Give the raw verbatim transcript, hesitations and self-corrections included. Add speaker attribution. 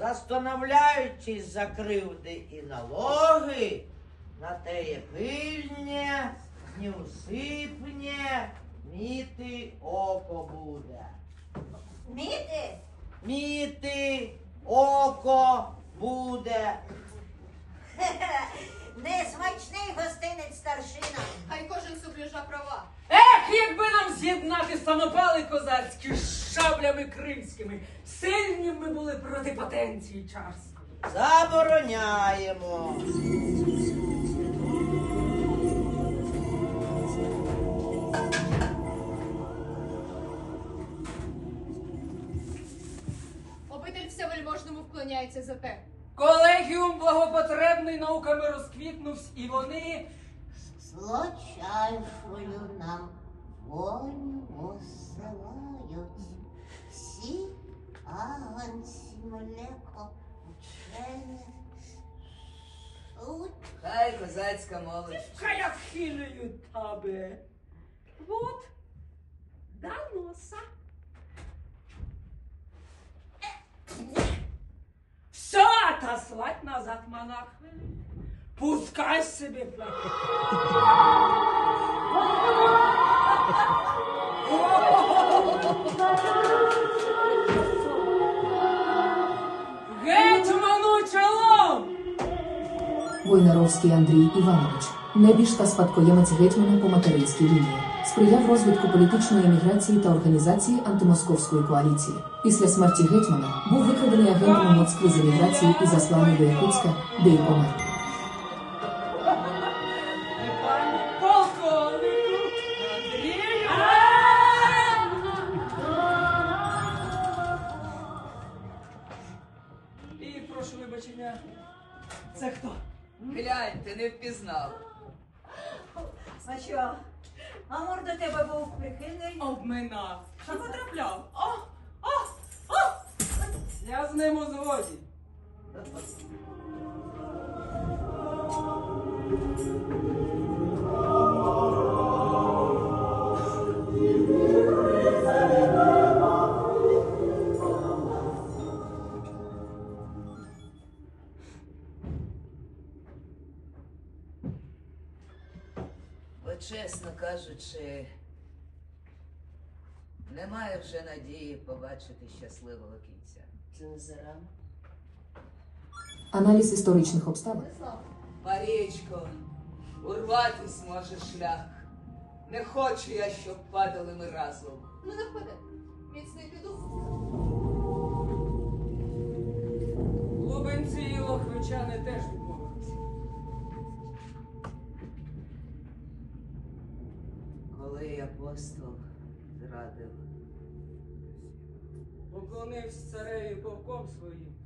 Speaker 1: застановляючись за кривди і налоги, на теє пильне, неусипне, міти око буде.
Speaker 2: Міти?
Speaker 1: Міти око буде.
Speaker 2: Несмачний гостинець старшина.
Speaker 3: Хай кожен сублюжа права.
Speaker 4: Ех, якби нам з'єднати самопали козацькі з шаблями кримськими, сильні ми були проти потенції царської.
Speaker 1: Забороняємо.
Speaker 3: Обитель всевельможному вклоняється за те.
Speaker 4: Колегіум благопотребний науками розквітнувсь, і вони
Speaker 2: Злочайшою нам волю осилають. Всі агонці млеко учене суть.
Speaker 5: Хай козацька молодь.
Speaker 4: хай вхилюю тебе. Вот, до носа. Все, отослать назад монах. Пускай себе платит. Гетьману чолом!
Speaker 6: Войнаровський Андрій Іванович, небіж та спадкоємець гетьмана по материнській лінії, сприяв розвитку політичної еміграції та організації антимосковської коаліції. Після смерті гетьмана був викрадений агентом Москви з еміграції і засланий до Якутська, де й помер.
Speaker 4: І прошу вибачення, це хто?
Speaker 5: Глянь, ти не впізнав.
Speaker 2: А що? Амур до тебе був прихильний?
Speaker 4: Обминав. Чи потрапляв? О, о, о! Я з ним у згоді.
Speaker 5: Бо, чесно кажучи, немає вже надії побачити щасливого кінця.
Speaker 2: Це не зарано.
Speaker 6: Аналіз історичних обставин.
Speaker 5: Марічко, урватись може шлях. Не хочу я, щоб падали ми разом.
Speaker 3: Ну не впаде. Міцний піду.
Speaker 4: Лубенці і лохвичани теж відмовилися.
Speaker 5: Коли апостол зрадив,
Speaker 4: Поклонився цареві повком своїм,